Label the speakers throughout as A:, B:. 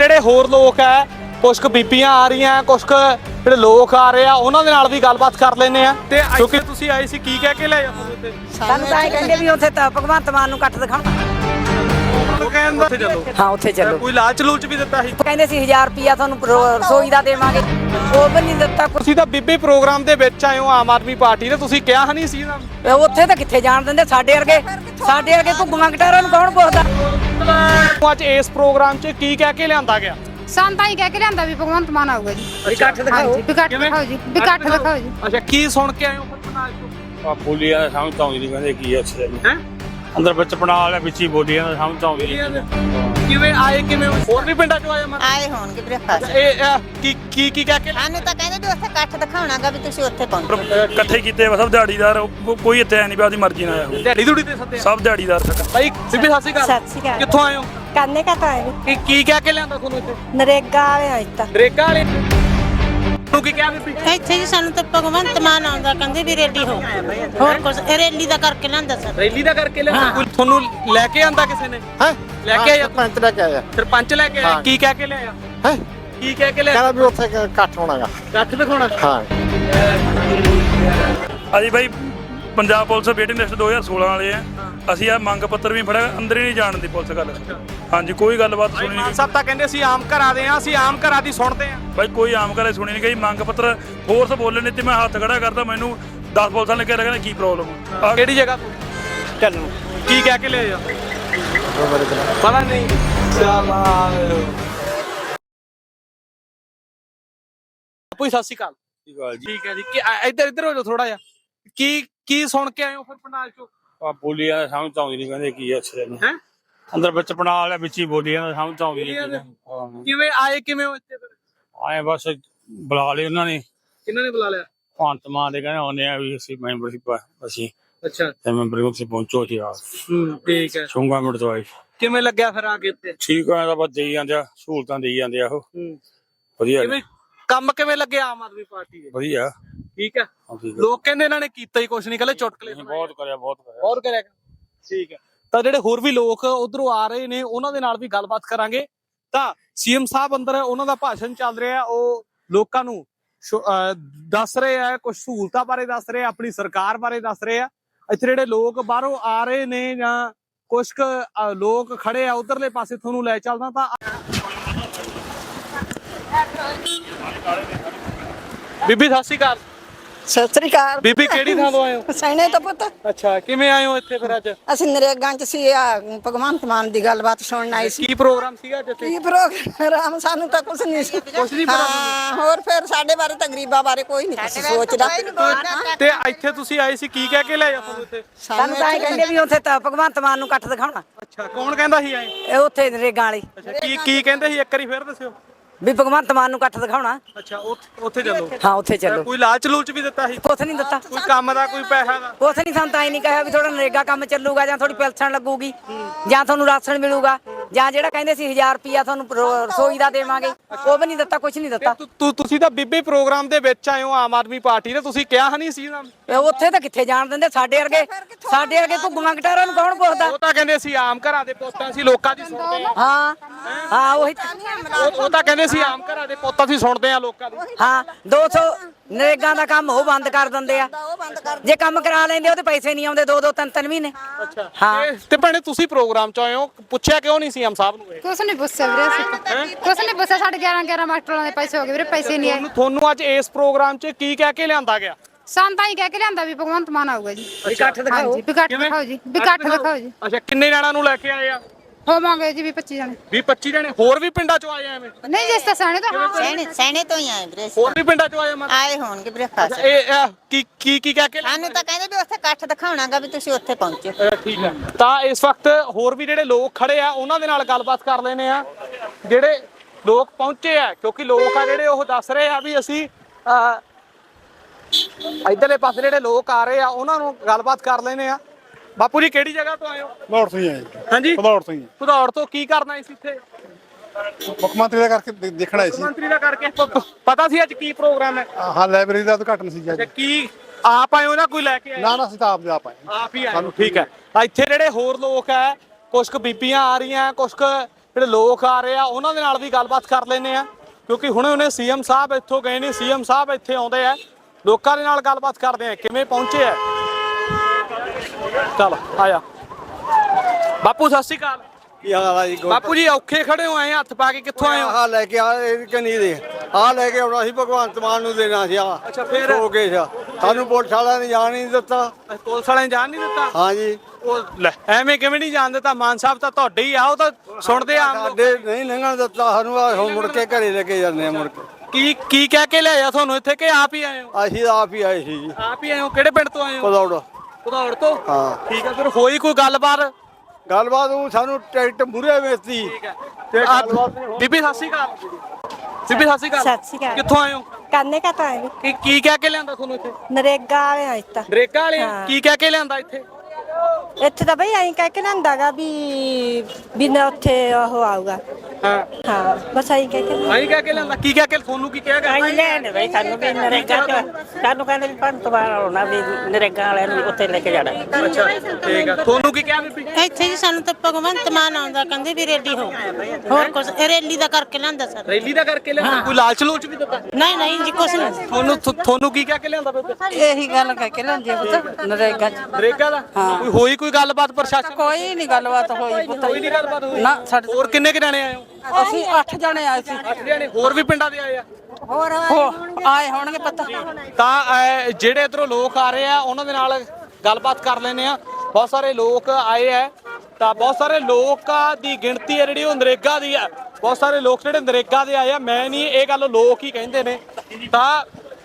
A: ਜਿਹੜੇ ਹੋਰ ਲੋਕ ਹੈ, ਕੁਝ ਕੁ ਬੀਬੀਆਂ ਆ ਰਹੀਆਂ, ਕੁਝ ਕੁ ਜਿਹੜੇ ਲੋਕ ਆ ਰਹੇ ਆ, ਉਹਨਾਂ ਦੇ ਨਾਲ ਵੀ ਗੱਲਬਾਤ ਕਰ ਲੈਂਦੇ ਆ। ਤੇ ਕਿਉਂਕਿ ਤੁਸੀਂ ਆਏ ਸੀ, ਕੀ ਕਹਿ ਕੇ ਲੈ ਜਾਂਦੇ ਉੱਤੇ?
B: ਸਾਨੂੰ ਤਾਂ ਇਹ ਕਹਿੰਦੇ ਵੀ ਉੱਥੇ ਤਾਂ ਭਗਵੰਤ ਮਾਨ ਨੂੰ ਕੱਟ ਦਿਖਾਉਣਾ।
A: ਕਹਿੰਦਾ ਉੱਥੇ ਚੱਲੋ।
B: ਹਾਂ ਉੱਥੇ ਚੱਲੋ।
A: ਕੋਈ ਲਾਲਚ ਲੂਚ ਵੀ ਦਿੱਤਾ ਸੀ?
B: ਕਹਿੰਦੇ ਸੀ 1000 ਰੁਪਿਆ ਤੁਹਾਨੂੰ ਰਸੋਈ ਦਾ ਦੇਵਾਂਗੇ, ਉਹ ਵੀ ਨਹੀਂ ਦਿੱਤਾ।
A: ਤੁਸੀਂ ਤਾਂ ਬੀਬੀ ਪ੍ਰੋਗਰਾਮ ਦੇ ਵਿੱਚ ਆਏ ਹੋ ਆਮ ਆਦਮੀ ਪਾਰਟੀ ਦੇ, ਤੁਸੀਂ ਕਿਹਾ ਨਹੀਂ ਸੀ ਨਾ?
B: ਉੱਥੇ ਤਾਂ ਕਿੱਥੇ ਜਾਣ ਦਿੰਦੇ, ਸਾਡੇ ਵਰਗੇ ਘੁੱਗਾਂ ਘਟਾਰਾਂ ਨੂੰ ਕੌਣ ਪੁੱਛਦਾ।
A: ਅੱਜ ਇਸ ਪ੍ਰੋਗਰਾਮ 'ਚ ਕੀ ਕਹਿ ਕੇ ਲਿਆਂਦਾ ਗਿਆ?
C: ਸਾਨੂੰ ਤਾਂ ਹੀ ਕਹਿ ਕੇ ਲਿਆਂਦਾ ਵੀ ਭਗਵੰਤ ਮਾਨ ਆਊਗਾ ਜੀ।
B: ਇਕੱਠ ਦਿਖਾਓ।
C: ਇਕੱਠ ਦਿਖਾਓ ਜੀ, ਇਕੱਠ ਦਿਖਾਓ ਜੀ।
A: ਅੱਛਾ, ਕੀ ਸੁਣ ਕੇ ਆਏ ਹੋ ਫਿਰ ਨਾਲ ਤੋਂ?
D: ਆ ਬੋਲੀਆਂ ਸਮਝ ਤਾਂ ਆਉਂਦੀ ਨਹੀਂ, ਕਹਿੰਦੇ ਕੀ ਅੱਛਾ
A: ਹੈ
D: ਅੰਦਰ ਵਿੱਚ ਬਣਾ ਲਿਆ, ਵਿੱਚ ਹੀ ਬੋਲੀਆਂ ਦਾ ਸਮਝ ਤਾਂ ਆਉਂਦੀ ਨਹੀਂ।
A: ਕਿਵੇਂ ਆਏ, ਕਿਵੇਂ ਹੋਰ ਵੀ ਪਿੰਡਾਂ 'ਚੋਂ ਆਏ ਮਨ?
E: ਆਏ ਹੋਣਗੇ ਬ੍ਰੇਕਫਾਸਟ।
A: ਇਹ ਕੀ ਕਹਿ ਕੇ?
E: ਸਾਨੂੰ ਤਾਂ ਕਹਿੰਦੇ ਵੀ ਉੱਥੇ ਇਕੱਠ ਦਿਖਾਉਣਾਗਾ ਵੀ ਤੁਸੀਂ ਉੱਥੇ ਪਹੁੰਚੋ।
D: ਇਕੱਠੇ ਕੀਤੇ ਵਾ ਸਭ ਦਿਹਾੜੀਦਾਰ, ਕੋਈ ਇੱਥੇ ਐ ਨਹੀਂ ਵੀ ਆਪਦੀ ਮਰਜ਼ੀ ਨਾਲ ਆਇਆ
A: ਦਿਹਾੜੀ ਦੂੜੀ ਤੇ ਸੱਦੇ
D: ਸਭ ਦਿਹਾੜੀਦਾਰ ਸਾਡਾ।
A: ਭਾਈ ਬੀਬੀ ਸਤਿ ਸ਼੍ਰੀ ਅਕਾਲ।
F: ਸਤਿ ਸ਼੍ਰੀ ਅਕਾਲ।
A: ਕਿੱਥੋਂ ਆਏ ਹੋ?
F: ਕਰਨੇ ਕਾ ਤਾਂ ਹੈ
A: ਕੀ ਕਹਿ ਕੇ ਲਿਆਂਦਾ ਤੁਹਾਨੂੰ ਇੱਥੇ?
F: ਨਰੇਗਾ ਵਾਲੇ ਅੱਜ ਤਾਂ
A: ਨਰੇਗਾ ਵਾਲੇ ਨੂੰ ਕੀ ਕਿਹਾ ਬੀਬੀ?
G: ਇੱਥੇ ਜੀ ਸਾਨੂੰ ਤਾਂ ਭਗਵੰਤ ਮਾਨ ਆਉਂਦਾ, ਕਹਿੰਦੇ ਵੀ ਰੈਲੀ ਹੋ, ਹੋਰ ਕੁਝ ਰੈਲੀ ਦਾ ਕਰਕੇ ਲਿਆਂਦਾ ਸਰ।
A: ਰੈਲੀ ਦਾ ਕਰਕੇ ਲਿਆਂਦਾ? ਕੋਈ ਤੁਹਾਨੂੰ ਲੈ ਕੇ ਆਂਦਾ ਕਿਸੇ ਨੇ?
H: ਹੈ
A: ਲੈ ਕੇ ਆਇਆ?
H: ਸਰਪੰਚ ਲੈ ਕੇ ਆਇਆ।
A: ਸਰਪੰਚ ਲੈ ਕੇ ਆਇਆ? ਕੀ ਕਹਿ ਕੇ ਲਿਆਇਆ?
H: ਹੈ
A: ਕੀ ਕਹਿ ਕੇ ਲਿਆਇਆ?
H: ਕਹਿੰਦਾ ਵੀ ਉੱਥੇ ਇਕੱਠ ਹੋਣਾਗਾ।
A: ਕੱਠ ਦਿਖਾਉਣਾ?
H: ਹਾਂ
D: ਅਸੀਂ ਬਾਈ ਪੰਜਾਬ ਪੁਲਿਸ ਵੇਟਿੰਗ ਲਿਸਟ 2016 ਵਾਲੇ ਆ। ਅਸੀਂ ਆ ਮੰਗ ਪੱਤਰ ਵੀ ਫੜਿਆ, ਅੰਦਰ ਹੀ ਨਹੀਂ ਜਾਣ ਦੀ ਪੁਲਿਸ ਗੱਲ। ਹਾਂਜੀ, ਕੋਈ ਗੱਲਬਾਤ ਸੁਣੀ ਨਹੀਂ।
A: ਸਭ ਤਾਂ ਕਹਿੰਦੇ ਸੀ ਆਮ ਘਰਾਂ ਦੇ ਆ, ਅਸੀਂ ਆਮ ਘਰਾਂ ਦੀ ਸੁਣਦੇ ਆ।
D: ਬਾਈ ਕੋਈ ਆਮ ਘਰੇ ਸੁਣੀ ਨਹੀਂ ਗਈ। ਮੰਗ ਪੱਤਰ ਫੋਰਸ ਬੋਲੇ ਨੇ ਤੇ ਮੈਂ ਹੱਥ ਖੜਾ ਕਰਦਾ, ਮੈਨੂੰ 10 ਪੁਲਿਸਾਂ ਨੇ ਕਿਹਾ ਕਹਿੰਦੇ ਕੀ ਪ੍ਰੋਬਲਮ ਆ।
A: ਕਿਹੜੀ ਜਗ੍ਹਾ ਤੋਂ?
H: ਚੱਲੂ
A: ਕੀ ਕਹਿ ਕੇ ਲਿਆਇਆ? ਪਤਾ ਨਹੀਂ। ਕੋਈ ਸਤਿ ਸ਼੍ਰੀ ਅਕਾਲ। ਠੀਕ ਹੈ ਜੀ। ਇੱਧਰ ਹੋ ਜਾਓ ਥੋੜਾ ਜਿਹਾ। ਕੀ ਸੁਣ ਕੇ ਆਏ ਹੋ ਫਿਰ ਪੰਡਾਲ ਚੋਂ?
D: ਆ ਬੋਲੀਆਂ ਸਮਝ ਤਾਂ ਆਉਂਦੀ ਨਹੀਂ, ਕਹਿੰਦੇ ਕੀ ਅੱਛਾ
A: ਹੈ
D: ਅੰਦਰ ਵਿੱਚ ਬਣਾ ਲਿਆ, ਵਿੱਚ ਹੀ ਬੋਲੀਆਂ ਦਾ ਸਮਝ ਤਾਂ ਆਉਂਦੀ ਨਹੀਂ।
A: ਕਿਵੇਂ ਆਏ, ਕਿਵੇਂ ਹੋ ਇੱਥੇ ਫਿਰ?
D: ਆਏ ਬਸ ਬੁਲਾ ਲਏ ਉਹਨਾਂ ਨੇ।
A: ਕਿਹਨਾਂ ਨੇ ਬੁਲਾ ਲਿਆ?
D: ਭਗਵੰਤ ਮਾਨ ਦੇ ਕਹਿੰਦੇ ਆਉਂਦੇ ਆ ਵੀ ਅਸੀਂ ਮੈਂਬਰਸ਼ਿਪ ਅਸੀਂ
A: ਅੱਛਾ।
D: ਤੇ ਮੈਂਬਰ ਉੱਥੇ ਪਹੁੰਚੋ ਜੀ ਆ
A: ਠੀਕ ਹੈ।
D: ਸ਼ੁੰਗਾ ਮਿੰਟ ਤੋਂ ਆਏ।
A: ਕਿਵੇਂ ਲੱਗਿਆ ਫਿਰ ਆ ਕੇ ਇੱਥੇ?
D: ਠੀਕ ਆ, ਤਾਂ ਬਸ ਦੇਈ ਜਾਂਦੇ ਆ, ਸਹੂਲਤਾਂ ਦੇਈ ਜਾਂਦੇ ਆ। ਉਹ ਵਧੀਆ
A: ਕਿਵੇਂ ਕੰਮ ਕਿਵੇਂ ਲੱਗਿਆ ਆਮ ਆਦਮੀ ਪਾਰਟੀ ਦੇ?
D: ਵਧੀਆ
A: ਠੀਕ ਹੈ।
D: ਠੀਕ ਆ।
A: ਲੋਕ ਕਹਿੰਦੇ ਇਹਨਾਂ ਨੇ ਕੀਤਾ ਹੀ ਕੁਛ ਨਹੀਂ, ਕਹਿੰਦੇ ਚੁਟਕਲੇ
D: ਬਹੁਤ ਕਰਿਆ, ਬਹੁਤ ਕਰਿਆ।
A: ਹੋਰ ਕਰਿਆ। ਠੀਕ ਹੈ। ਤਾਂ ਜਿਹੜੇ ਹੋਰ ਵੀ ਲੋਕ ਉਧਰੋਂ ਆ ਰਹੇ ਨੇ, ਉਹਨਾਂ ਦੇ ਨਾਲ ਵੀ ਗੱਲਬਾਤ ਕਰਾਂਗੇ। ਤਾਂ ਸੀਐਮ ਸਾਹਿਬ ਅੰਦਰ ਉਹਨਾਂ ਦਾ ਭਾਸ਼ਣ ਚੱਲ ਰਿਹਾ, ਉਹ ਲੋਕਾਂ ਨੂੰ ਦੱਸ ਰਹੇ ਆ, ਕੁਝ ਸਹੂਲਤਾਂ ਬਾਰੇ ਦੱਸ ਰਹੇ ਆ, ਆਪਣੀ ਸਰਕਾਰ ਬਾਰੇ ਦੱਸ ਰਹੇ ਆ। ਇੱਥੇ ਜਿਹੜੇ ਲੋਕ ਬਾਹਰੋਂ ਆ ਰਹੇ ਨੇ ਜਾਂ ਕੁਝ ਕੁ ਲੋਕ ਖੜੇ ਆ ਉਧਰਲੇ ਪਾਸੇ, ਤੁਹਾਨੂੰ ਲੈ ਚੱਲਦਾ। ਤਾਂ ਬੀਬੀ ਸਤਿ ਸ਼੍ਰੀ ਅਕਾਲ।
F: ਸਤਿ ਸ੍ਰੀ ਅਕਾਲ।
A: ਬੀਬੀ ਕਿਹੜੀ ਥਾਂ ਤੋਂ ਆਏ ਹੋ?
F: ਸੈਣੇ ਤਾਂ ਪੁੱਤ
A: ਅੱਛਾ, ਕਿਵੇਂ ਆਏ ਹੋ ਇੱਥੇ ਫਿਰ ਅੱਜ?
F: ਅਸੀਂ ਨਰੇਗਾ ਚ ਸੀ, ਆ ਭਗਵੰਤ ਮਾਨ ਦੀ ਗੱਲਬਾਤ ਸੁਣਨ ਆਏ ਸੀ।
A: ਕੀ ਪ੍ਰੋਗਰਾਮ ਸੀਗਾ ਅੱਜ ਇੱਥੇ?
F: ਕੀ ਪ੍ਰੋਗਰਾਮ? ਸਾਨੂੰ ਤਾਂ ਕੁਝ ਨਹੀਂ ਸੀ।
A: ਕੁਛ ਨਹੀਂ ਪਤਾ।
F: ਹਾਂ, ਹੋਰ ਫਿਰ ਸਾਡੇ ਬਾਰੇ ਤਾਂ ਗਰੀਬਾਂ ਬਾਰੇ ਕੋਈ ਨਹੀਂ ਕੁਛ ਸੋਚਦਾ।
A: ਤੇ ਇੱਥੇ ਤੁਸੀਂ ਆਏ ਸੀ, ਕੀ ਕਹਿ ਕੇ ਲਿਆਇਆ ਤੁਹਾਨੂੰ ਇੱਥੇ?
B: ਸਾਨੂੰ ਤਾਂ ਇਹ ਕਹਿੰਦੇ ਵੀ ਉੱਥੇ ਤਾਂ ਭਗਵੰਤ ਮਾਨ ਨੂੰ ਕੱਟ ਦਿਖਾਉਣਾ।
A: ਅੱਛਾ, ਕੌਣ ਕਹਿੰਦਾ ਸੀ ਆਏ?
B: ਇਹ ਉੱਥੇ ਨਰੇਗਾ ਵਾਲੇ
A: ਅੱਛਾ, ਕੀ ਕਹਿੰਦੇ ਸੀ? ਇੱਕ ਵਾਰੀ ਫੇਰ ਦੱਸਿਓ।
B: ਵੀ ਭਗਵੰਤ ਮਾਨ ਨੂੰ ਕੱਟ ਦਿਖਾਉਣਾ।
A: ਅੱਛਾ, ਉੱਥੇ ਚੱਲੋ।
B: ਹਾਂ ਉੱਥੇ ਚੱਲੋ।
A: ਕੋਈ ਲਾਲਚ ਲੂਚ ਵੀ ਦਿੱਤਾ ਸੀ?
B: ਕੁਛ ਨਹੀਂ ਦਿੱਤਾ।
A: ਕੋਈ ਕੰਮ ਦਾ, ਕੋਈ ਪੈਸਾ ਦਾ?
B: ਕੁਛ ਨਹੀਂ, ਸਾਨੂੰ ਤਾਂ ਇਹ ਨਹੀਂ ਕਿਹਾ ਵੀ ਤੁਹਾਡਾ ਨਰੇਗਾ ਕੰਮ ਚੱਲੂਗਾ, ਜਾਂ ਤੁਹਾਡੀ ਪੈਨਸ਼ਨ ਲੱਗੂਗੀ, ਜਾਂ ਤੁਹਾਨੂੰ ਰਾਸ਼ਨ ਮਿਲੂਗਾ, ਜਾਂ ਜਿਹੜਾ ਕਹਿੰਦੇ ਸੀ 1000 ਰੁਪਿਆ ਤੁਹਾਨੂੰ ਰਸੋਈ ਦਾ ਦੇਵਾਂਗੇ, ਉਹ ਵੀ ਨਹੀਂ ਦਿੱਤਾ, ਕੁਛ ਨਹੀਂ ਦਿੱਤਾ।
A: ਤੁਸੀਂ ਤਾਂ ਬੀਬੀ ਪ੍ਰੋਗਰਾਮ ਦੇ ਵਿੱਚ ਆਏ ਹੋ ਆਮ ਆਦਮੀ ਪਾਰਟੀ ਦੇ, ਤੁਸੀਂ ਕਿਹਾ ਨਹੀਂ ਸੀ ਨਾ?
B: ਉੱਥੇ ਤਾਂ ਕਿੱਥੇ ਜਾਣ ਦਿੰਦੇ, ਸਾਡੇ ਵਰਗੇ ਘੁੱਗਾਂ ਘਟਾਰਾਂ ਨੂੰ ਕੌਣ ਪੁੱਛਦਾ।
A: ਉਹ ਤਾਂ ਕਹਿੰਦੇ ਸੀ ਆਮ ਘਰਾਂ ਦੇ ਪੁੱਤਾਂ ਸੀ, ਲੋਕਾਂ ਦੀ ਸੁਣਦੇ ਆ।
B: ਹਾਂ ਹਾਂ ਉਹੀ
A: ਉਹ ਤਾਂ ਕਹਿੰਦੇ ਸੀ ਆਮ ਘਰਾਂ ਦੇ ਪੁੱਤਾਂ ਸੀ, ਸੁਣਦੇ ਆ ਲੋਕਾਂ ਦੀ।
B: ਹਾਂ 200 ਨਰੇਗਾ ਦਾ ਕੰਮ ਉਹ ਬੰਦ ਕਰ ਦਿੰਦੇ ਆ। ਜੇ ਕੰਮ ਕਰਾ ਲੈਂਦੇ ਉਹਦੇ ਪੈਸੇ ਨਹੀਂ ਆਉਂਦੇ 2-2 3-3 ਮਹੀਨੇ।
A: ਅੱਛਾ।
B: ਹਾਂ।
A: ਤੇ ਭੈਣੇ ਤੁਸੀਂ ਪ੍ਰੋਗਰਾਮ ਚ ਆਏ ਹੋ, ਪੁੱਛਿਆ ਕਿਉਂ ਨਹੀਂ ਸੀ ਆਮ ਸਾਹਿਬ ਨੂੰ?
C: ਕੁਛ ਨਹੀਂ ਪੁੱਛਿਆ ਵੀਰੇ ਅਸੀਂ। ਕੁਛ ਨਹੀਂ ਪੁੱਛਿਆ, ਸਾਡੇ 11 ਮਾਸਟਰਾਂ ਦੇ ਪੈਸੇ ਹੋ ਗਏ ਵੀਰੇ, ਪੈਸੇ ਨਹੀਂ ਆਏ।
A: ਤੁਹਾਨੂੰ ਅੱਜ ਇਸ ਪ੍ਰੋਗਰਾਮ ਚ ਕੀ ਕਹਿ ਕੇ ਲਿਆਂਦਾ ਗਿਆ?
C: ਸਾਨੂੰ ਤਾਂ ਹੀ ਕਹਿ ਕੇ ਲਿਆਂਦਾ ਵੀ ਭਗਵੰਤ ਮਾਨ ਆਊਗਾ ਜੀ।
B: ਇਕੱਠ ਦਿਖਾਓ।
C: ਇਕੱਠ ਦਿਖਾਓ ਜੀ, ਇਕੱਠ ਦਿਖਾਓ ਜੀ।
A: ਅੱਛਾ, ਕਿੰਨੇ ਜਣਾਂ ਨੂੰ ਲੈ ਕੇ ਆਏ ਆ?
C: ਹੋਵਾਂਗੇ ਜੀ 20-25 ਜਣੇ।
A: 20-25 ਜਣੇ? ਹੋਰ ਵੀ ਪਿੰਡਾਂ ਚੋਂ ਆਏ ਆ ਐਵੇਂ?
C: ਨਹੀਂ ਜਿਸ ਤਾਂ ਸਾਣੇ ਤਾਂ
E: ਸੈਣੇ ਤੋਂ ਹੀ ਆਏ ਵੀਰੇ।
A: ਹੋਰ ਵੀ ਪਿੰਡਾਂ ਚੋਂ ਆਏ ਆ?
E: ਆਏ ਹੋਣਗੇ ਬ੍ਰੇਕਫਾਸਟ।
A: ਕੀ ਕਹਿ ਕੇ?
E: ਸਾਨੂੰ ਤਾਂ ਕਹਿੰਦੇ ਵੀ ਉੱਥੇ ਇਕੱਠ ਦਿਖਾਉਣਾਗਾ ਵੀ ਤੁਸੀਂ ਉੱਥੇ ਪਹੁੰਚੋ।
A: ਠੀਕ ਹੈ। ਤਾਂ ਇਸ ਵਕਤ ਹੋਰ ਵੀ ਜਿਹੜੇ ਲੋਕ ਖੜੇ ਆ, ਉਹਨਾਂ ਦੇ ਨਾਲ ਗੱਲਬਾਤ ਕਰ ਲੈਨੇ ਆ, ਜਿਹੜੇ ਲੋਕ ਪਹੁੰਚੇ ਆ। ਕਿਉਂਕਿ ਲੋਕ ਆ ਜਿਹੜੇ ਉਹ ਦੱਸ ਰਹੇ ਆ ਵੀ ਅਸੀਂ ਇਧਰਲੇ ਪਾਸੇ ਜਿਹੜੇ ਲੋਕ ਆ ਰਹੇ ਆ, ਉਹਨਾਂ ਨੂੰ ਗੱਲਬਾਤ ਕਰ ਲੈਨੇ ਆ। ਬਾਪੂ ਜੀ ਕਿਹੜੀ ਜਗ੍ਹਾ ਤੋਂ ਆਏ ਹੋ?
H: ਭਦੌੜ ਤੋਂ ਹੀ ਆਏ।
A: ਹਾਂਜੀ,
H: ਭਦੌੜ ਤੋਂ ਹੀ।
A: ਭਦੌੜ ਤੋਂ। ਕੀ ਕਰਨਾ ਇਸ ਇੱਥੇ?
H: ਮੁੱਖ ਮੰਤਰੀ ਦਾ ਕਰਕੇ ਦੇਖਣ ਆਏ ਸੀ।
A: ਮੰਤਰੀ ਦਾ ਕਰਕੇ ਪਤਾ ਸੀ ਅੱਜ ਕੀ ਪ੍ਰੋਗਰਾਮ ਹੈ?
H: ਹਾਂ, ਲਾਇਬ੍ਰੇਰੀ ਦਾ ਉਦਘਾਟਨ ਸੀ ਜੀ।
A: ਕੀ ਆਪ ਆਏ ਹੋ ਨਾ ਕੋਈ ਲੈ ਕੇ ਆਏ?
H: ਨਾ ਅਸੀਂ ਤਾਂ ਆਪ ਆਏ।
A: ਆਪ ਹੀ ਆਏ। ਠੀਕ ਹੈ। ਇੱਥੇ ਜਿਹੜੇ ਹੋਰ ਲੋਕ ਹੈ, ਕੁਝ ਕੁ ਬੀਬੀਆਂ ਆ ਰਹੀਆਂ, ਕੁਝ ਕੁ ਜਿਹੜੇ ਲੋਕ ਆ ਰਹੇ ਆ ਉਹਨਾਂ ਦੇ ਨਾਲ ਵੀ ਗੱਲਬਾਤ ਕਰ ਲੈਂਦੇ ਆ, ਕਿਉਂਕਿ ਹੁਣੇ ਸੀਐਮ ਸਾਹਿਬ ਇੱਥੋਂ ਗਏ ਨੇ, ਸੀਐਮ ਸਾਹਿਬ ਇੱਥੇ ਆਉਂਦੇ ਆ, ਲੋਕਾਂ ਦੇ ਨਾਲ ਗੱਲਬਾਤ ਕਰਦੇ ਆ ਕਿਵੇਂ ਪਹੁੰਚੇ ਆ। ਚਲ ਆਇਆ ਬਾਪੂ, ਸਤਿ ਸ਼੍ਰੀ ਅਕਾਲ।
H: ਕੀ ਹਾਲ ਆ ਜੀ?
A: ਬਾਪੂ ਜੀ ਔਖੇ ਖੜੇ ਹੋ ਆਏ, ਹੱਥ ਪਾ ਕੇ ਕਿੱਥੋਂ ਆਏ ਹੋ?
H: ਆਹ ਲੈ ਕੇ ਆ, ਇਹ ਕਿ ਨਹੀਂ ਦੇ ਆਹ ਲੈ ਕੇ ਆਉਣਾ ਸੀ, ਭਗਵੰਤ ਮਾਨ ਨੂੰ ਦੇਣਾ ਸੀ। ਆ
A: ਅੱਛਾ, ਫਿਰ
H: ਹੋ ਗਏ ਸਾਨੂੰ ਪੁਲਿਸ ਵਾਲਿਆਂ ਨੇ ਜਾਣ ਹੀ ਨਹੀਂ ਦਿੱਤਾ।
A: ਪੁਲਿਸ ਵਾਲਿਆਂ ਨੇ ਜਾਣ ਨਹੀਂ ਦਿੱਤਾ?
H: ਹਾਂਜੀ,
A: ਉਹ ਲੈ ਐਵੇਂ ਕਿਵੇਂ ਨਹੀਂ ਜਾਣ ਦਿੱਤਾ? ਮਾਨ ਸਾਹਿਬ ਤਾਂ ਤੁਹਾਡੇ ਹੀ ਆ, ਉਹ ਤਾਂ ਸੁਣਦੇ ਆ ਆਮ ਲੋਕ।
H: ਸਾਡੇ ਨਹੀਂ ਲੰਘਣ ਦਿੱਤਾ ਸਾਨੂੰ। ਆ ਹੁਣ ਮੁੜ ਕੇ ਘਰੇ ਲੈ ਕੇ ਜਾਂਦੇ ਆ। ਮੁੜ ਕੇ
A: ਕੀ ਕਹਿ ਕੇ ਲਿਆਇਆ ਤੁਹਾਨੂੰ ਇੱਥੇ, ਕਿ ਆਪ ਹੀ ਆਏ ਹੋ?
H: ਅਸੀਂ ਆਪ ਹੀ ਆਏ ਸੀ ਜੀ,
A: ਆਪ ਹੀ ਆਏ ਹੋ? ਕਿਹੜੇ ਪਿੰਡ ਤੋਂ ਆਏ ਹੋ?
H: ਪਦੌੜ।
A: ਭਦੌੜ ਤੋਂ?
H: ਹਾਂ
A: ਠੀਕ ਹੈ, ਫਿਰ ਹੋਈ ਕੋਈ ਗੱਲਬਾਤ?
H: ਗੱਲਬਾਤ ਉਹ ਸਾਨੂੰ ਟਿਕਟ ਮੂਰੇ ਵੇਚਤੀ ਤੇ ਗੱਲਬਾਤ ਨਹੀਂ ਹੋਈ।
A: ਬੀਬੀ ਸਤਿ ਸ਼੍ਰੀ ਅਕਾਲ। ਬੀਬੀ ਸਤਿ ਸ਼੍ਰੀ ਅਕਾਲ।
G: ਸਤਿ ਸ਼੍ਰੀ ਅਕਾਲ।
A: ਕਿੱਥੋਂ ਆਏ ਹੋ?
G: ਕਾਨੇ ਕਾ ਤਾਂ ਹੈ
A: ਕੀ ਕਹਿ ਕੇ ਲਿਆਂਦਾ ਤੁਹਾਨੂੰ ਇੱਥੇ?
G: ਨਰੇਗਾ ਵਾਲੇ ਆ ਇੱਥੇ
A: ਨਰੇਗਾ ਵਾਲੇ ਆ? ਕੀ ਕਹਿ ਕੇ ਲਿਆਂਦਾ ਇੱਥੇ?
G: ਇੱਥੇ ਤਾਂ ਬਈ ਐਂ ਕਹਿ ਕੇ ਨੰਦਾਗਾ ਵੀ ਨਾ ਉੱਥੇ ਉਹ ਆਊਗਾ।
A: ਹਾਂ,
G: ਹਾਂ ਬਸ ਐਂ ਕਹਿ ਕੇ
A: ਆਈ ਕਹਿ ਕੇ ਲਿਆਂਦਾ? ਕੀ ਕਹਿ ਕੇ ਤੁਹਾਨੂੰ ਕੀ ਕਹਿ ਗਿਆ?
I: ਲੈਣ ਬਈ ਸਾਨੂੰ ਵੀ ਨਰੇਗਾ ਚ ਸਾਨੂੰ ਕਹਿੰਦੇ ਵੀ ਪੰਜ ਤੋਂ ਬਾਹਰ ਆਉਣਾ ਵੀ ਨਰੇਗਾ ਵਾਲਿਆਂ ਨੂੰ ਉੱਥੇ ਲੈ ਕੇ ਜਾਣਾ।
A: ਅੱਛਾ ਠੀਕ ਆ, ਤੁਹਾਨੂੰ ਕੀ ਕਿਹਾ ਬੀਬੀ?
G: ਇੱਥੇ ਜੀ ਸਾਨੂੰ ਤਾਂ ਭਗਵੰਤ ਮਾਨ ਆਉਂਦਾ ਕਹਿੰਦੇ ਵੀ ਰੈਡੀ ਹੋ, ਹੋਰ ਕੁਝ ਰੈਲੀ ਦਾ ਕਰਕੇ ਲਿਆਂਦਾ ਸਰ।
A: ਰੈਲੀ ਦਾ ਕਰਕੇ ਲਿਆਂਦਾ? ਕੋਈ ਲਾਲਚ ਲੂਚ ਵੀ ਦਿੱਤਾ?
G: ਨਹੀਂ ਨਹੀਂ ਜੀ ਕੁਛ ਨਹੀਂ।
A: ਤੁਹਾਨੂੰ ਕੀ ਕਹਿ ਕੇ ਲਿਆਂਦਾ ਬੇਬੇ?
F: ਇਹੀ ਗੱਲ ਕਹਿ ਕੇ ਲੈਂਦੇ ਪੁੱਤ ਨਰੇਗਾ ਚ।
A: ਨਰੇਗਾ ਦਾ ਹੋਈ ਕੋਈ ਗੱਲਬਾਤ ਪ੍ਰਸ਼ਾਸਨ?
F: ਕੋਈ ਨਹੀਂ ਗੱਲਬਾਤ ਹੋਈ ਪੁੱਤ।
A: ਕੋਈ ਨਹੀਂ ਗੱਲਬਾਤ ਹੋਈ
F: ਨਾ ਸਾਡੇ
A: ਹੋਰ ਕਿੰਨੇ ਕਿ ਜਾਣੇ ਆਏ ਹੋ?
F: ਅਸੀਂ 8 ਜਣੇ ਆਏ ਸੀ।
A: 8 ਜਣੇ ਹੋਰ ਵੀ ਪਿੰਡਾਂ ਦੇ ਆਏ ਆ?
F: ਆਏ ਹੋਣਗੇ ਪਤਾ।
A: ਤਾਂ ਜਿਹੜੇ ਇਧਰੋਂ ਲੋਕ ਆ ਰਹੇ ਆ ਉਹਨਾਂ ਦੇ ਨਾਲ ਗੱਲਬਾਤ ਕਰ ਲੈਨੇ ਆ। ਬਹੁਤ ਸਾਰੇ ਲੋਕ ਆਏ ਆ, ਤਾਂ ਬਹੁਤ ਸਾਰੇ ਲੋਕਾਂ ਦੀ ਗਿਣਤੀ ਹੈ ਜਿਹੜੀ ਉਹ ਨਰੇਗਾ ਦੀ ਆ। ਬਹੁਤ ਸਾਰੇ ਲੋਕ ਜਿਹੜੇ ਨਰੇਗਾ ਦੇ ਆਏ ਆ, ਮੈਂ ਨਹੀਂ, ਇਹ ਗੱਲ ਲੋਕ ਹੀ ਕਹਿੰਦੇ ਨੇ। ਤਾਂ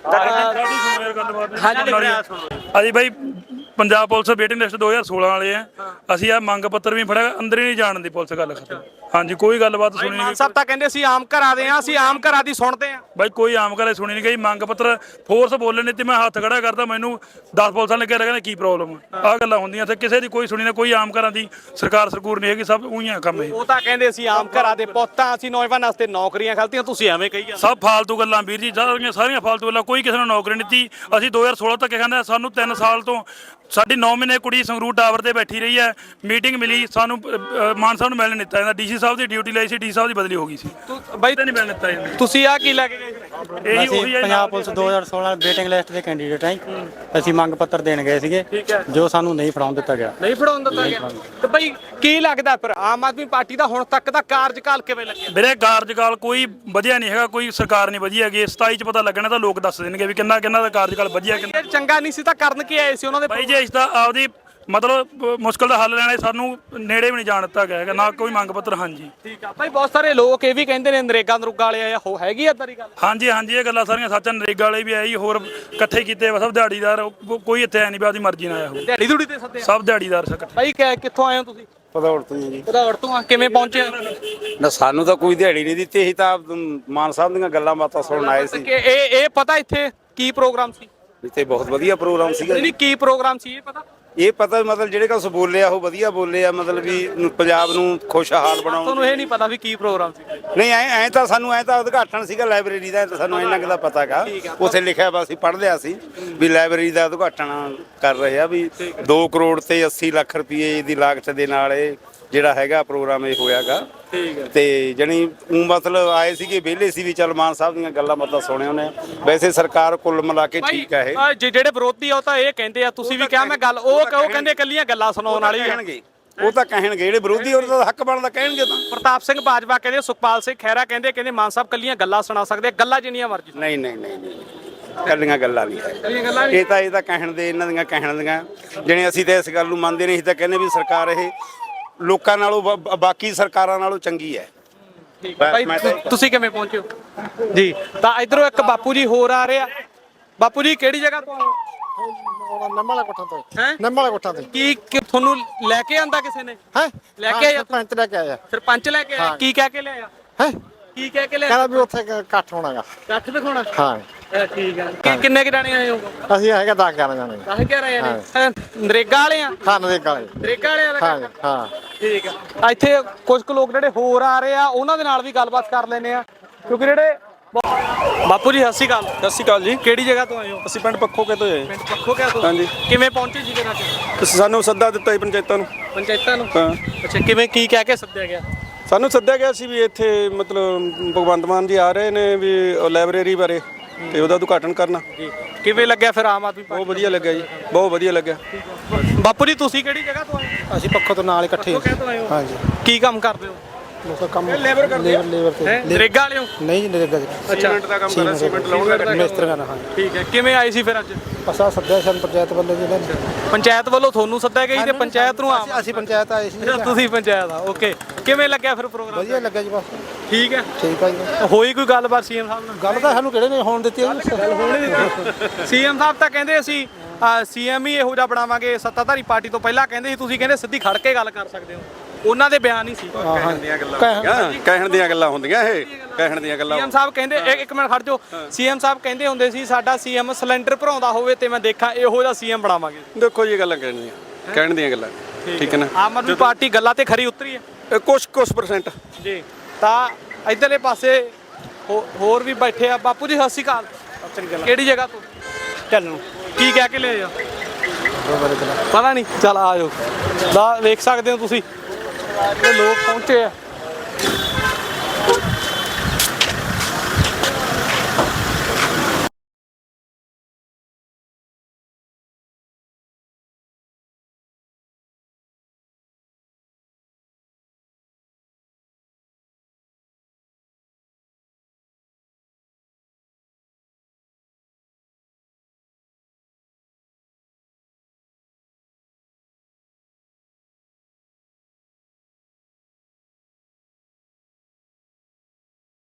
D: ਹਾਂਜੀ ਬਾਈ, ਪੰਜਾਬ ਪੁਲਿਸ ਵੇਟਿੰਗ ਲਿਸਟ 2016 ਵਾਲੇ ਆ ਅਸੀਂ। ਆ ਮੰਗ ਪੱਤਰ ਵੀ ਫੜਿਆ, ਅੰਦਰ ਹੀ ਨਹੀਂ ਜਾਣ ਦੀ ਪੁਲਿਸ। ਗੱਲ ਖਤਮ। ਹਾਂਜੀ, ਕੋਈ ਗੱਲਬਾਤ ਸੁਣੀ ਨਹੀਂ
A: ਮਾਨ ਸਾਹਿਬ ਤਾਂ ਕਹਿੰਦੇ ਸੀ ਆਮ ਘਰਾਂ ਦੇ ਆ, ਅਸੀਂ ਆਮ ਘਰਾਂ ਦੀ ਸੁਣਦੇ ਆ।
D: ਬਾਈ ਕੋਈ ਆਮ ਗੱਲ ਸੁਣੀ ਨਹੀਂ ਗਈ। ਮੰਗ ਪੱਤਰ ਫੋਰਸ ਬੋਲੇ ਨੇ ਤੇ ਮੈਂ ਹੱਥ ਖੜਾ ਕਰਦਾ, ਮੈਨੂੰ 10 ਪੁਲਿਸਾਂ ਨੇ ਕਿਹਾ ਕਹਿੰਦੇ ਕੀ ਪ੍ਰੋਬਲਮ ਆ। ਗੱਲਾਂ ਹੁੰਦੀਆਂ ਇੱਥੇ, ਕਿਸੇ ਦੀ ਕੋਈ ਸੁਣੀ ਨਾ। ਕੋਈ ਆਮ ਘਰਾਂ ਦੀ ਸਰਕਾਰ ਸਰਕੂਰ ਨਹੀਂ ਹੈਗੀ, ਸਭ ਉਹੀ ਆ ਕੰਮ ਇਹ।
A: ਉਹ ਤਾਂ ਕਹਿੰਦੇ ਸੀ ਆਮ ਘਰਾਂ ਦੇ ਪੁੱਤਾਂ, ਅਸੀਂ ਨੌਜਵਾਨਾਂ ਵਾਸਤੇ ਨੌਕਰੀਆਂ ਖਲਤੀਆਂ, ਤੁਸੀਂ ਐਵੇਂ ਕਹੀ ਜਾਂਦੇ।
D: ਸਭ ਫਾਲਤੂ ਗੱਲਾਂ ਵੀਰ ਜੀ, ਸਾਰੀਆਂ ਫਾਲਤੂ ਗੱਲਾਂ। ਕੋਈ ਕਿਸੇ ਨੂੰ ਨੌਕਰੀ ਨਹੀਂ ਦਿੱਤੀ। ਅਸੀਂ 2016 ਤੱਕ ਕਹਿੰਦੇ ਸਾਨੂੰ 3 ਸਾਲ ਤੋਂ ਸਾਡੀ 9 ਮਹੀਨੇ ਕੁੜੀ ਸੰਗਰੂਰ ਟਾਵਰ ਤੇ ਬੈਠੀ ਰਹੀ ਹੈ। ਮੀਟਿੰਗ ਮਿਲੀ ਸਾਨੂੰ, ਮਾਨ ਸਾਹਿਬ ਨੂੰ ਮਿਲਣ ਦਿੱਤਾ ਜਾਂਦਾ। ਡੀਸੀ ਸਾਹਿਬ ਦੀ ਡਿਊਟੀ ਲਈ ਸੀ, ਡੀ ਸਾਹਿਬ ਦੀ ਬਦਲੀ ਹੋ ਗਈ ਸੀ।
A: ਬਾਈ
D: ਨਹੀਂ ਮਿਲਣ ਦਿੱਤਾ ਜਾਂਦਾ।
A: ਤੁਸੀਂ ਆ ਕੀ ਲੈ ਕੇ ਗਏ?
D: ਇਹੀ ਉਹੀ ਹੈ
J: ਪੰਜਾਬ ਪੁਲਿਸ 2016 ਵੇਟਿੰਗ ਲਿਸਟ ਦੇ ਕੈਂਡੀਡੇਟ ਹਾਂ। ਅਸੀਂ ਮੰਗ ਪੱਤਰ ਦੇਣ ਗਏ ਸੀਗੇ, ਜੋ ਸਾਨੂੰ ਨਹੀਂ ਫੜਾਉਣ ਦਿੱਤਾ ਗਿਆ।
A: ਨਹੀਂ ਫੜਾਉਣ ਦਿੱਤਾ ਗਿਆ? ਤੇ ਬਾਈ ਕੀ ਲੱਗਦਾ ਫਿਰ ਆਮ ਆਦਮੀ ਪਾਰਟੀ ਦਾ ਹੁਣ ਤੱਕ ਦਾ ਕਾਰਜਕਾਲ ਕਿਵੇਂ ਲੱਗਿਆ?
D: ਵੀਰੇ ਕਾਰਜਕਾਲ ਕੋਈ ਵਧੀਆ ਨਹੀਂ ਹੈਗਾ, ਕੋਈ ਸਰਕਾਰ ਨਹੀਂ ਵਧੀਆ ਹੈਗੀ। 27 ਚ ਪਤਾ ਲੱਗਣਾ ਤਾਂ ਲੋਕ ਦੱਸ ਦੇਣਗੇ ਵੀ ਕਿੰਨਾ ਦਾ ਕਾਰਜਕਾਲ ਵਧੀਆ, ਕਿੰਨਾ
A: ਚੰਗਾ ਨਹੀਂ ਸੀ ਤਾਂ ਕਰਨ ਕੀ ਆਏ ਸੀ ਉਹਨਾਂ ਦੇ?
D: ਬਾਈ ਜੀ ਇਸ ਦਾ ਆਪਦੀ ਮਤਲਬ ਮੁਸ਼ਕਲ ਦਾ ਹੱਲ ਲੈਣੇ, ਸਾਨੂੰ ਨੇੜੇ ਵੀ ਨਹੀਂ ਜਾਣ ਦਿੱਤਾ ਗਿਆ ਹੈਗਾ, ਨਾ ਕੋਈ ਮੰਗ ਪੱਤਰ। ਹਾਂਜੀ
A: ਠੀਕ ਆ ਬਾਈ, ਬਹੁਤ ਸਾਰੇ ਲੋਕ ਇਹ ਵੀ ਕਹਿੰਦੇ ਨੇ ਨਰੇਗਾ ਨਰੂਗਾ ਵਾਲੇ ਆਏ, ਹੋ ਹੈਗੀ ਏਦਾਂ ਦੀ ਗੱਲ?
D: ਹਾਂਜੀ ਹਾਂਜੀ, ਇਹ ਗੱਲਾਂ ਸਾਰੀਆਂ ਸੱਚ। ਨਰੇਗਾ ਵਾਲੇ ਵੀ ਆਏ, ਹੋਰ ਇਕੱਠੇ ਕੀਤੇ ਸਭ ਦਿਹਾੜੀਦਾਰ। ਕੋਈ ਇੱਥੇ ਐ ਨਹੀਂ ਵੀ ਆਪਦੀ ਮਰਜ਼ੀ ਨਾਲ ਆਇਆ ਹੋ।
A: ਦਿਹਾੜੀ ਦੂੜੀ ਤੇ ਸੱਦੇ
D: ਸਭ ਦਿਹਾੜੀਦਾਰ ਇਕੱਠੇ।
A: ਬਾਈ ਕਿੱਥੋਂ ਆਏ ਹੋ ਤੁਸੀਂ?
H: ਪਦੌੜ ਤੋਂ ਜੀ।
A: ਭਦੌੜ ਤੋਂ ਆ, ਕਿਵੇਂ ਪਹੁੰਚੇ?
K: ਨਾ ਸਾਨੂੰ ਤਾਂ ਕੋਈ ਦਿਹਾੜੀ ਨਹੀਂ ਦਿੱਤੀ। ਅਸੀਂ ਤਾਂ ਮਾਨ ਸਾਹਿਬ ਦੀਆਂ ਗੱਲਾਂ ਬਾਤਾਂ ਸੁਣਨ ਆਏ ਸੀ।
A: ਇਹ ਪਤਾ ਇੱਥੇ ਕੀ ਪ੍ਰੋਗਰਾਮ ਸੀ?
K: ਇੱਥੇ ਬਹੁਤ ਵਧੀਆ ਪ੍ਰੋਗਰਾਮ ਸੀਗਾ।
A: ਨਹੀਂ, ਕੀ ਪ੍ਰੋਗਰਾਮ ਸੀ ਇਹ ਪਤਾ?
K: ਇਹ ਪਤਾ ਮਤਲਬ ਜਿਹੜੇ ਕੁਛ ਬੋਲੇ ਆ ਉਹ ਵਧੀਆ ਬੋਲੇ ਆ, ਮਤਲਬ ਵੀ ਪੰਜਾਬ ਨੂੰ ਖੁਸ਼ਹਾਲ ਬਣਾਉਣ।
A: ਤੁਹਾਨੂੰ ਇਹ ਨਹੀਂ ਪਤਾ ਵੀ ਕੀ ਪ੍ਰੋਗਰਾਮ ਸੀ?
K: ਨਹੀਂ, ਐ ਤਾਂ ਸਾਨੂੰ ਉਦਘਾਟਨ ਸੀਗਾ ਲਾਇਬ੍ਰੇਰੀ ਦਾ, ਤਾਂ ਸਾਨੂੰ ਇੰਨਾ ਕੁ ਦਾ ਪਤਾ ਗਾ। ਉੱਥੇ ਲਿਖਿਆ ਵਾ, ਅਸੀਂ ਪੜ੍ਹ ਲਿਆ ਸੀ ਵੀ ਲਾਇਬ੍ਰੇਰੀ ਦਾ ਉਦਘਾਟਨ ਕਰ ਰਹੇ ਆ, ਵੀ 2 ਕਰੋੜ ਤੇ 80 ਲੱਖ ਰੁਪਏ ਦੀ ਲਾਗਤ ਦੇ ਨਾਲ ਇਹ ਜਿਹੜਾ ਹੈਗਾ ਪ੍ਰੋਗਰਾਮ ਇਹ ਹੋਇਆਗਾ। ਤੇ ਜਣੀ ਮਤਲਬ ਆਏ ਸੀਗੇ, ਵਿਹਲੇ ਸੀ ਵੀ ਚੱਲ ਮਾਨ ਸਾਹਿਬ ਦੀਆਂ ਗੱਲਾਂ ਬਾਤਾਂ ਸੁਣਿਆ ਉਹਨੇ। ਵੈਸੇ ਸਰਕਾਰ ਕੁੱਲ ਮਿਲਾ ਕੇ ਠੀਕ ਹੈ। ਇਹ
A: ਜਿਹੜੇ ਵਿਰੋਧੀ ਆ ਉਹ ਤਾਂ ਇਹ ਕਹਿੰਦੇ ਆ, ਤੁਸੀਂ ਵੀ ਕਿਹਾ ਮੈਂ ਗੱਲ, ਉਹ ਕਹਿੰਦੇ ਇਕੱਲੀਆਂ ਗੱਲਾਂ ਸੁਣਾਉਣ ਵਾਲੀ
K: ਕਹਿਣਗੇ। ਉਹ ਤਾਂ ਕਹਿਣਗੇ, ਜਿਹੜੇ ਵਿਰੋਧੀ ਉਹਨਾਂ ਦਾ ਹੱਕ ਬਣਦਾ ਕਹਿਣਗੇ। ਤਾਂ
A: ਪ੍ਰਤਾਪ ਸਿੰਘ ਬਾਜਵਾ ਕਹਿੰਦੇ, ਸੁਖਪਾਲ ਸਿੰਘ ਖਹਿਰਾ ਕਹਿੰਦੇ ਮਾਨ ਸਾਹਿਬ ਕੱਲੀਆਂ ਗੱਲਾਂ ਸੁਣਾ ਸਕਦੇ, ਗੱਲਾਂ ਜਿੰਨੀਆਂ ਮਰਜ਼ੀ।
K: ਨਹੀਂ ਕੱਲੀਆਂ ਗੱਲਾਂ ਨਹੀਂ ਹੈ। ਇਹ ਤਾਂ ਕਹਿਣ ਦੇ, ਇਹਨਾਂ ਦੀਆਂ ਕਹਿਣ ਦੀਆਂ। ਜਿਹੜੇ ਅਸੀਂ ਤਾਂ ਇਸ ਗੱਲ ਨੂੰ ਮੰਨਦੇ ਨਹੀਂ। ਅਸੀਂ ਤਾਂ ਕਹਿੰਦੇ ਵੀ ਸਰਕਾਰ ਇਹ ਲੋਕਾਂ ਨਾਲੋਂ ਬਾਕੀ ਸਰਕਾਰਾਂ ਨਾਲੋਂ ਚੰਗੀ ਹੈ।
A: ਤੁਸੀਂ ਕਿਵੇਂ ਪਹੁੰਚੇ ਹੋ ਜੀ? ਤਾਂ ਇਧਰੋਂ ਇੱਕ ਬਾਪੂ ਜੀ ਹੋਰ ਆ ਰਹੇ ਆ। ਬਾਪੂ ਜੀ ਕਿਹੜੀ ਜਗ੍ਹਾ ਤੋਂ ਆਏ?
H: ਨੰਮਾਲਾ ਕੋਠਾ ਤੋਂ।
A: ਹੈ
H: ਨੰਮਾਲਾ ਕੋਠਾ ਤੋਂ।
A: ਕੀ ਤੁਹਾਨੂੰ ਲੈ ਕੇ ਆਂਦਾ ਕਿਸੇ ਨੇ?
H: ਹੈ
A: ਲੈ ਕੇ ਆਇਆ?
H: ਸਰਪੰਚ ਲੈ ਕੇ ਆਇਆ।
A: ਸਰਪੰਚ ਲੈ ਕੇ ਆਇਆ? ਕੀ ਕਹਿ ਕੇ ਲਿਆਇਆ?
H: ਹੈ
A: ਕੀ ਕਹਿ ਕੇ ਲਿਆਇਆ?
H: ਕਹਿੰਦਾ ਵੀ ਉੱਥੇ ਇਕੱਠ ਹੋਣਾਗਾ।
A: ਇਕੱਠ ਦਿਖਾਉਣਾ?
H: ਹਾਂ
A: ਠੀਕ ਹੈ। ਕਿੰਨੇ ਕਿ ਜਾਣੇ ਆਏ ਹੋ?
H: ਅਸੀਂ ਹੈਗਾ 10-11 ਜਾਣੇ।
A: 10-11 ਜਾਣੇ। ਨਰੇਗਾ ਵਾਲੇ ਆ?
H: ਹਾਂ ਨਰੇਗਾ ਵਾਲੇ।
A: ਨਰੇਗਾ ਵਾਲੇ
H: ਹਾਂ ਹਾਂ
A: ਠੀਕ ਆ। ਇੱਥੇ ਕੁਝ ਕੁ ਲੋਕ ਜਿਹੜੇ ਹੋਰ ਆ ਰਹੇ ਆ, ਉਹਨਾਂ ਦੇ ਨਾਲ ਵੀ ਗੱਲਬਾਤ ਕਰ ਲੈਨੇ ਆ, ਕਿਉਂਕਿ ਜਿਹੜੇ ਬਾਪੂ ਜੀ ਸਤਿ ਸ਼੍ਰੀ ਅਕਾਲ।
J: ਸਤਿ ਸ਼੍ਰੀ ਅਕਾਲ ਜੀ।
A: ਕਿਹੜੀ ਜਗ੍ਹਾ ਤੋਂ ਆਏ ਹੋ?
J: ਅਸੀਂ ਪਿੰਡ ਪੱਖੋਕੇ ਤੋਂ ਆਏ।
A: ਪਿੰਡ ਪੱਖੋਕੇ ਤੋਂ?
J: ਹਾਂਜੀ।
A: ਕਿਵੇਂ ਪਹੁੰਚੇ ਜੀ ਜਗ੍ਹਾ ਤੇ?
J: ਸਾਨੂੰ ਸੱਦਾ ਦਿੱਤਾ ਜੀ ਪੰਚਾਇਤਾਂ ਨੂੰ।
A: ਪੰਚਾਇਤਾਂ ਨੂੰ?
J: ਹਾਂ।
A: ਅੱਛਾ, ਕਿਵੇਂ ਕੀ ਕਹਿ ਕੇ ਸੱਦਿਆ ਗਿਆ?
H: ਸਾਨੂੰ ਸੱਦਿਆ ਗਿਆ ਸੀ ਵੀ ਇੱਥੇ ਮਤਲਬ ਭਗਵੰਤ ਮਾਨ ਜੀ ਆ ਰਹੇ ਨੇ ਵੀ ਲਾਇਬ੍ਰੇਰੀ ਬਾਰੇ ਤੇ ਉਹਦਾ ਉਦਘਾਟਨ ਕਰਨਾ।
A: ਜੀ ਕਿਵੇਂ ਲੱਗਿਆ ਫਿਰ ਆਮ ਆਦਮੀ
H: ਬਹੁਤ ਵਧੀਆ ਲੱਗਿਆ ਜੀ, ਬਹੁਤ ਵਧੀਆ ਲੱਗਿਆ।
A: ਬਾਪੂ ਜੀ ਤੁਸੀਂ ਕਿਹੜੀ ਜਗ੍ਹਾ ਤੋਂ ਆਏ ਹੋ?
J: ਅਸੀਂ ਪੱਖੋਂ ਤੋਂ ਨਾਲ ਇਕੱਠੇ
A: ਹੋ?
J: ਹਾਂਜੀ।
A: ਕੀ ਕੰਮ ਕਰਦੇ ਹੋ?
J: ਲੋਕਾਂ ਕੰਮ
H: ਲੇਬਰ ਕਰਦੇ ਆ।
J: ਲੇਬਰ ਤੇ
A: ਨਰੇਗਾ ਵਾਲੇ ਹੋ?
J: ਨਹੀਂ ਜੀ ਨਰੇਗਾ ਜੀ
H: ਸੀਮੈਂਟ ਦਾ ਕੰਮ ਕਰਦਾ, ਸੀਮੈਂਟ ਲਾਉਣ ਦਾ
J: ਮਿਸਤਰੀਆਂ ਨਾਲ।
A: ਠੀਕ ਹੈ, ਕਿਵੇਂ ਆਏ ਸੀ ਫਿਰ ਅੱਜ?
J: ਅਸਾਂ ਸੱਦਿਆ ਸਾਨੂੰ ਪੰਚਾਇਤ ਵੱਲੋਂ ਜੀ ਨੇ।
A: ਪੰਚਾਇਤ ਵੱਲੋਂ ਤੁਹਾਨੂੰ ਸੱਦਿਆ ਗਿਆ ਜੀ ਤੇ ਪੰਚਾਇਤ ਨੂੰ ਆਮ
J: ਅਸੀਂ ਪੰਚਾਇਤ ਆਏ ਸੀ।
A: ਤੁਸੀਂ ਪੰਚਾਇਤ ਆ, ਓਕੇ। ਕਿਵੇਂ ਲੱਗਿਆ ਫਿਰ ਪ੍ਰੋਗਰਾਮ?
J: ਵਧੀਆ ਲੱਗਾ ਜੀ ਬਸ
A: ਠੀਕ ਹੈ।
J: ਠੀਕ ਆ ਜੀ।
A: ਹੋਈ ਕੋਈ ਗੱਲਬਾਤ ਸੀਐਮ ਸਾਹਿਬ ਨਾਲ?
J: ਗੱਲ ਤਾਂ ਸਾਨੂੰ ਕਿਹੜੇ ਨੇ ਹੋਣ ਦਿੱਤੀ
A: ਸੀਐਮ ਸਾਹਿਬ ਤਾਂ ਕਹਿੰਦੇ ਅਸੀਂ ਸੀਐਮ ਹੀ ਇਹੋ ਜਿਹਾ ਬਣਾਵਾਂਗੇ, ਸੱਤਾਧਾਰੀ ਪਾਰਟੀ ਤੋਂ ਪਹਿਲਾਂ ਕਹਿੰਦੇ ਸੀ, ਤੁਸੀਂ ਕਹਿੰਦੇ ਸਿੱਧੀ ਖੜ ਕੇ ਗੱਲ ਕਰ ਸਕਦੇ ਹੋ। ਉਹਨਾਂ ਦੇ ਬਿਆਨ ਹੀ ਸੀ।
H: ਕਹਿਣ ਦੀਆਂ ਗੱਲਾਂ ਹੁੰਦੀਆਂ, ਇਹ ਕਹਿਣ ਦੀਆਂ ਗੱਲਾਂ।
A: ਸੀਐਮ ਸਾਹਿਬ ਕਹਿੰਦੇ ਇੱਕ ਮਿੰਟ ਖੜ ਜਾਓ, ਸੀਐਮ ਸਾਹਿਬ ਕਹਿੰਦੇ ਹੁੰਦੇ ਸੀ ਸਾਡਾ ਸੀਐਮ ਸਿਲੰਡਰ ਭਰਾਉਂਦਾ ਹੋਵੇ ਤੇ ਮੈਂ ਦੇਖਾਂ ਇਹੋ ਜਿਹਾ ਸੀਐਮ ਬਣਾਵਾਂਗੇ।
H: ਦੇਖੋ ਜੀ ਗੱਲਾਂ ਕਹਿਣ ਦੀਆਂ ਗੱਲਾਂ, ਠੀਕ ਹੈ ਨਾ।
A: ਆਮ ਆਦਮੀ ਪਾਰਟੀ ਗੱਲਾਂ ਤੇ ਖਰੀ ਉਤਰੀ ਹੈ
H: ਕੁਛ %
A: ਜੀ। ਤਾਂ ਇਧਰਲੇ ਪਾਸੇ ਹੋਰ ਵੀ ਬੈਠੇ ਆ। ਬਾਪੂ ਜੀ ਸਤਿ ਸ਼੍ਰੀ ਅਕਾਲ। ਕਿਹੜੀ ਜਗ੍ਹਾ ਤੋਂ? ਚੱਲੋ। ਕੀ ਕਹਿ ਕੇ ਲਿਆਏ ਆ? ਪਤਾ ਨਹੀਂ। ਚਲ ਆ ਜਾਓ। ਵੇਖ ਸਕਦੇ ਹੋ ਤੁਸੀਂ, ਲੋਕ ਪਹੁੰਚੇ ਆ।